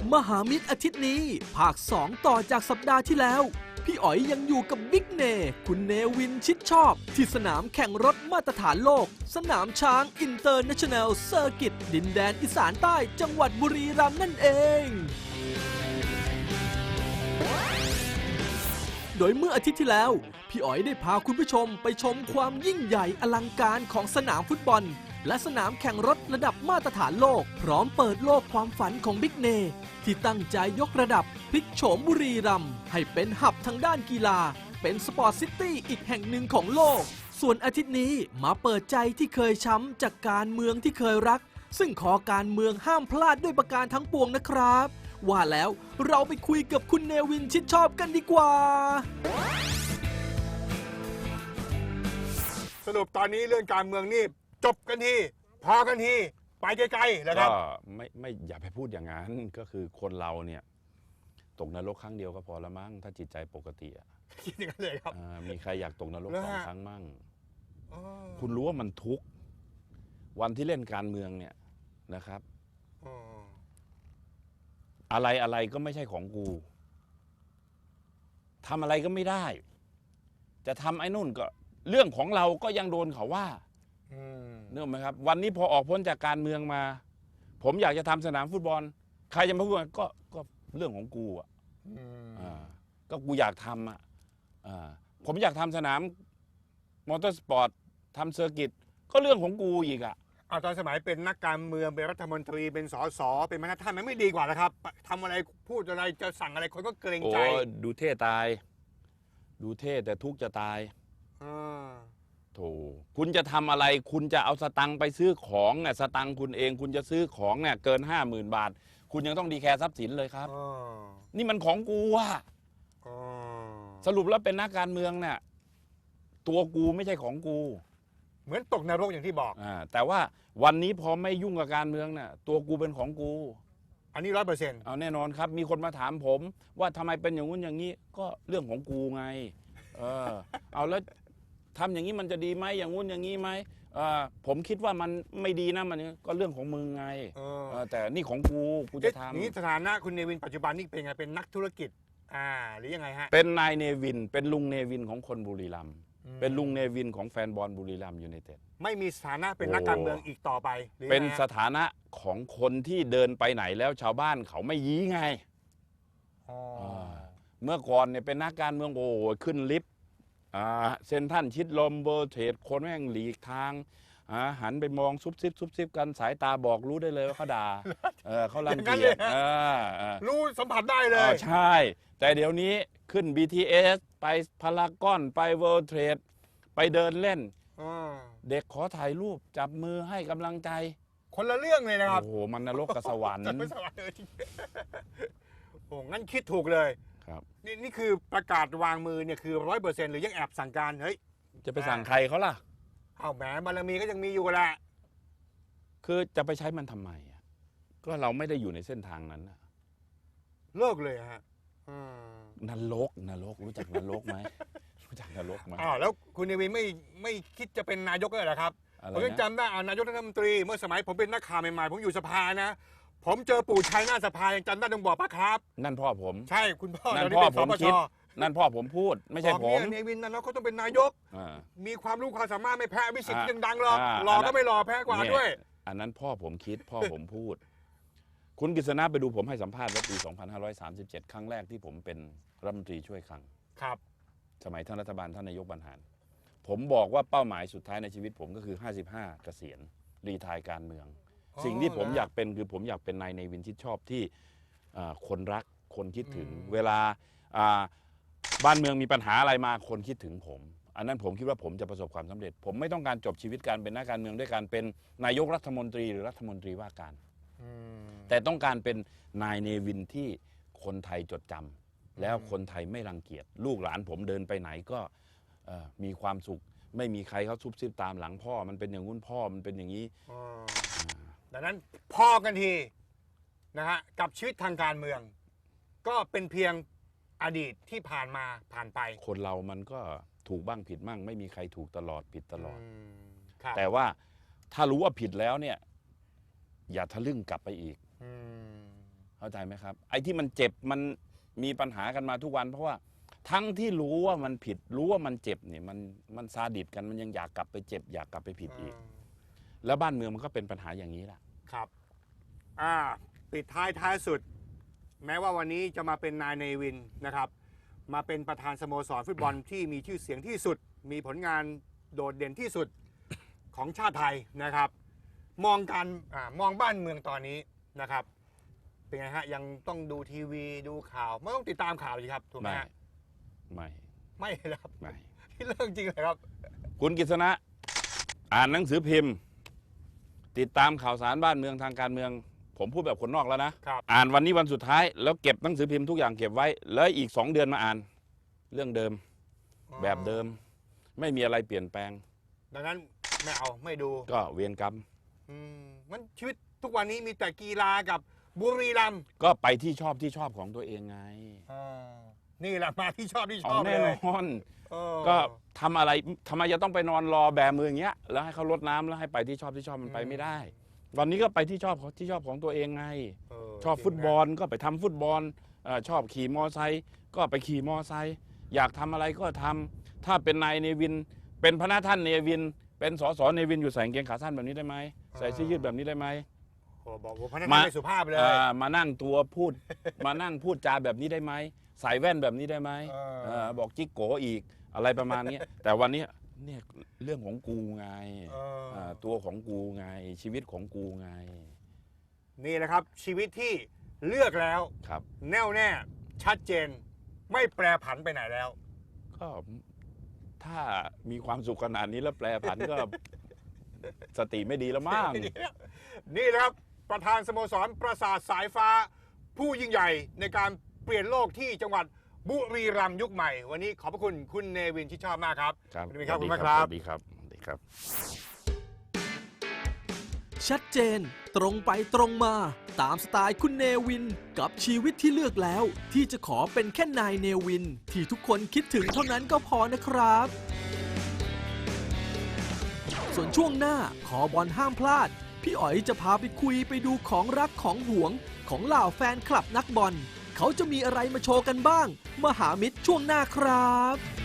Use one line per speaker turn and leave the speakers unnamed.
มหามิตรอาทิตย์นี้ภาค 2 ต่อจากสัปดาห์ที่แล้วพี่อ๋อยยังอยู่กับบิ๊กเนคุณเนวินชิดชอบที่สนามแข่งรถมาตรฐานโลกสนามช้างอินเตอร์เนชั่นแนลเซอร์กิตดินแดนอีสานใต้จังหวัดบุรีรัมย์นั่นเองโดยเมื่ออาทิตย์ที่แล้วพี่อ๋อยได้พาคุณผู้ชมไปชมความยิ่งใหญ่อลังการของสนามฟุตบอลและสนามแข่งรถระดับมาตรฐานโลกพร้อมเปิดโลกความฝันของบิ๊กเนที่ตั้งใจยกระดับพลิกโฉมบุรีรัมย์ให้เป็นหับทางด้านกีฬาเป็นสปอร์ตซิตี้อีกแห่งหนึ่งของโลกส่วนอาทิตย์นี้มาเปิดใจที่เคยช้ำจากการเมืองที่เคยรักซึ่งขอการเมืองห้ามพลาดด้วยประการทั้งปวงนะครับว่าแล้วเราไปคุยกับคุณเนวินชิดชอบกันดีกว่า
สรุปตอนนี้เรื่องการเมืองนี่จบกันทีพอกันทีไปไกลๆแล้วครับ
ก็ไม่อย่าไปพูดอย่างนั้นก็คือคนเราเนี่ยตกนรกครั้งเดียวก็พอละมั้งถ้าจิตใจปกติอ่ะ
คิดอย่างนั้นเลยครับ
มีใครอยากตกนรก2 ครั้งมั่ง คุณรู้ว่ามันทุกข์วันที่เล่นการเมืองเนี่ยนะครับอะไรก็ไม่ใช่ของกูทำอะไรก็ไม่ได้จะทำไอ้นู่นก็เรื่องของเราก็ยังโดนเขาว่าเนื่องไหมครับวันนี้พอออกพ้นจากการเมืองมาผมอยากจะทำสนามฟุตบอลใครจะมาพูดก็เรื่องของกูอ่ะก็กูอยากทำอ่ะผมอยากทำสนามมอเตอร์สปอร์ตทำเซอร์กิตก็เรื่องของกูอีกอ่ะ
ตอนสมัยเป็นนักการเมืองเป็นรัฐมนตรีเป็นสสเป็นประธานมันไม่ดีกว่านะครับทำอะไรพูดอะไรจะสั่งอะไรคนก็เกรงใจ
ดูเท่ตายดูเท่แต่ทุกข์จะตายโถคุณจะทำอะไรคุณจะเอาสตังค์ไปซื้อของเนี่ยสตังค์คุณเองคุณจะซื้อของเนี่ยเกิน50,000 บาทคุณยังต้องดีแคร์ทรัพย์สินเลยครับนี่มันของกูอะสรุปแล้วเป็นนักการเมืองเนี่ยตัวกูไม่ใช่ของกู
เหมือนตกนรกอย่างที่บอก
แต่ว่าวันนี้พอไม่ยุ่งกับการเมืองเนี่ยตัวกูเป็นของกู
อันนี้100%
เอาแน่นอนครับมีคนมาถามผมว่าทำไมเป็นอย่างงู้นอย่างนี้ก็เรื่องของกูไงเอาแล้วทำอย่างนี้มันจะดีไหมอย่างงู้นอย่างนี้ไหมผมคิดว่ามันไม่ดีนะมันก็เรื่องของมึงไงแต่นี่ของกูจะทำ
นี่สถานะคุณเนวินปัจจุบันนี่เป็นไงเป็นนักธุรกิจหรือยังไงฮะ
เป็นนายเนวินเป็นลุงเนวินของคนบุรีรัมย์เป็นลุงเนวินของแฟนบอลบุรีรัมย์ยูไนเต็ด
ไม่มีสถานะเป็นนักการเมืองอีกต่อไป
เป็นสถานะของคนที่เดินไปไหนแล้วชาวบ้านเขาไม่ยี้ไงเมื่อก่อนเนี่ยเป็นนักการเมืองโอ้ขึ้นลิฟต์เซนทันชิดลมเบอร์เทรดคนแม่งหลีกทางหันไปมองซุบซิบกันสายตาบอกรู้ได้เลยว่าเขาด่าเขารังเกียจ
รู้สัมผัสได้เลย
ใช่แต่เดี๋ยวนี้ขึ้น BTS ไปพารากอนไปเวิลด์เทรดไปเดินเล่นเด็กขอถ่ายรูปจับมือให้กำลังใจ
คนละเรื่องเลยนะครับ
โอ้โหมันนรกกับสวรรค์
โอ้งั้นคิดถูกเลย
ครับ
นี่คือประกาศวางมือเนี่ยคือ100%หรือยังแอบสั่งการเฮ้ย
จะไปสั่งใครเขาล่ะ
เอาแหมบารมีก็ยังมีอยู่แหละ
คือจะไปใช้มันทำไมก็เราไม่ได้อยู่ในเส้นทางนั้น
เลิกเลยฮะ
นรกรู้จักนรกไหมรู้จักนรกไหม
แล้วคุณเนวินไม่คิดจะเป็นนายกเลยเหรอครับผมยังจำได้นายกรัฐมนตรีเมื่อสมัยผมเป็นนักข่าวใหม่ๆผมอยู่สภานะผมเจอปู่ชัยหน้าสภายังจำได้ต้องบอกปะครับ
นั่นพ่อผม
ใช่คุณพ่อ
นั่นพ่อผมคิดนั่นพ่อผมพูดไม่ใช่ผม
เนวินนั่นเขาต้องเป็นนายกมีความรู้ความสามารถไม่แพ้วิสิทธิ์ยังดังหรอกหล่อก็ไม่หล่อแพ้กว่าด้วย
อันนั้นพ่อผมคิดพ่อผมพูดคุณกฤษณะไปดูผมให้สัมภาษณ์ว่าปี2537ครั้งแรกที่ผมเป็นรัฐมนตรีช่วยคลัง
ครับ
สมัยท่านรัฐบาลท่านนายกบรรหารผมบอกว่าเป้าหมายสุดท้ายในชีวิตผมก็คือ55เกษียณรีไทร์การเมืองสิ่งที่ผมอยากเป็นคือผมอยากเป็นนายเนวินชิดชอบที่คนรักคนคิดถึงเวลาบ้านเมืองมีปัญหาอะไรมาคนคิดถึงผมอันนั้นผมคิดว่าผมจะประสบความสำเร็จผมไม่ต้องการจบชีวิตการเป็นนักการเมืองด้วยการเป็นนายกรัฐมนตรีหรือรัฐมนตรีว่าการแต่ต้องการเป็นนายเนวินที่คนไทยจดจำแล้วคนไทยไม่รังเกียจลูกหลานผมเดินไปไหนก็มีความสุขไม่มีใครเขาซุบซิบตามหลังพ่อมันเป็นอย่างงู้นพ่อมันเป็นอย่างนี้
ดังนั้นพอกันทีนะฮะกับชีวิตทางการเมืองก็เป็นเพียงอดีตที่ผ่านไป
คนเรามันก็ถูกบ้างผิดบ้างไม่มีใครถูกตลอดผิดตลอดแต่ว่าถ้ารู้ว่าผิดแล้วเนี่ยอย่าทะลึ่งกลับไปอีกเข้าใจไหมครับไอ้ที่มันเจ็บมันมีปัญหากันมาทุกวันเพราะว่าทั้งที่รู้ว่ามันผิดรู้ว่ามันเจ็บเนี่ยมันซาดิสกันมันยังอยากกลับไปเจ็บอยากกลับไปผิดอีกแล้วบ้านเมืองมันก็เป็นปัญหาอย่างนี้แหละ
ครับปิดท้ายสุด แม้ว่าวันนี้จะมาเป็นนายเนวินนะครับ มาเป็นประธานสโมสรฟุตบอลที่มีชื่อเสียงที่สุด มีผลงานโดดเด่นที่สุดของชาติไทยนะครับ มองบ้านเมืองตอนนี้นะครับ เป็นไงฮะยังต้องดูทีวีดูข่าวไม่ต้องติดตามข่าวเลยครับถูกไหมฮะ ไม่ครับ
ไม่
ที่เรื่องจริงเลยครับ
คุณกฤษณะอ่านหนังสือพิมพ์ ติดตามข่าวสารบ้านเมืองทางการเมือง ผมพูดแบบคนนอกแล้วนะครับ อ่านวันนี้วันสุดท้ายแล้วเก็บหนังสือพิมพ์ทุกอย่างเก็บไว้แล้วอีก2 เดือนมาอ่านเรื่องเดิมแบบเดิมไม่มีอะไรเปลี่ยนแปลง
ดังนั้นไม่ดู
ก็เวรกรรม
มันชีวิตทุกวันนี้มีแต่กีฬากับบุรีรัมย์
ก็ไปที่ชอบของตัวเองไง
นี่แหละมาที่ชอบ
แน่น
เลย
อนก็ทำอะไรทำไมจะต้องไปนอนรอแบมืออย่างเงี้ยแล้วให้เขารดน้ำแล้วให้ไปที่ชอบมันไปไม่ได้ วันนี้ก็ไปที่ชอบของตัวเองไง ชอบฟุตบอลก็ไปทำฟุตบอลชอบขี่มอไซค์ก็ไปขี่มอไซค์อยากทำอะไรก็ทำถ้าเป็นนายเนวินเป็นพระท่านเนวินเป็นสสเนวินอยู่ใส่กางเกงขาสั้นแบบนี้ได้ไหมใส่เสื้อยืดแบบนี้ได้ไหม
บอกว่าพนักงานไม่สุภาพเลย
มานั่งตัวพูด มานั่งพูดจาแบบนี้ได้ไหมใส่แว่นแบบนี้ได้ไหมบอกจิ๊กโกอีกอะไรประมาณนี้ แต่วันนี้เนี่ยเรื่องของกูไงตัวของกูไงชีวิตของกูไง
นี่แหละครับชีวิตที่เลือกแล้ว
ครับ
แน่วแน่ชัดเจนไม่แปรผันไปไหนแล้ว
ก็ถ้ามีความสุขขนาดนี้แล้วแปรผันก็ สติไม่ดีแล้วมั้ง
นี่แหละครับประธานสโมสรปราสาทสายฟ้า ผู้ยิ่งใหญ่ในการเปลี่ยนโลกที่จังหวัดบุรีรัมย์ยุคใหม่ วันนี้ขอบพระคุณคุณเนวินที่ชอบมากครับ
ครับ
ขอบคุณมากครับ
สวัสดีครับสวัสดีครับ
ชัดเจนตรงไปตรงมาตามสไตล์คุณเนวินกับชีวิตที่เลือกแล้วที่จะขอเป็นแค่นายเนวินที่ทุกคนคิดถึงเท่านั้นก็พอนะครับ ส่วนช่วงหน้าขอบอลห้ามพลาดพี่อ๋อยจะพาไปคุยไปดูของรักของหวงของเหล่าแฟนคลับนักบอลเขาจะมีอะไรมาโชว์กันบ้างมหามิตรช่วงหน้าครับ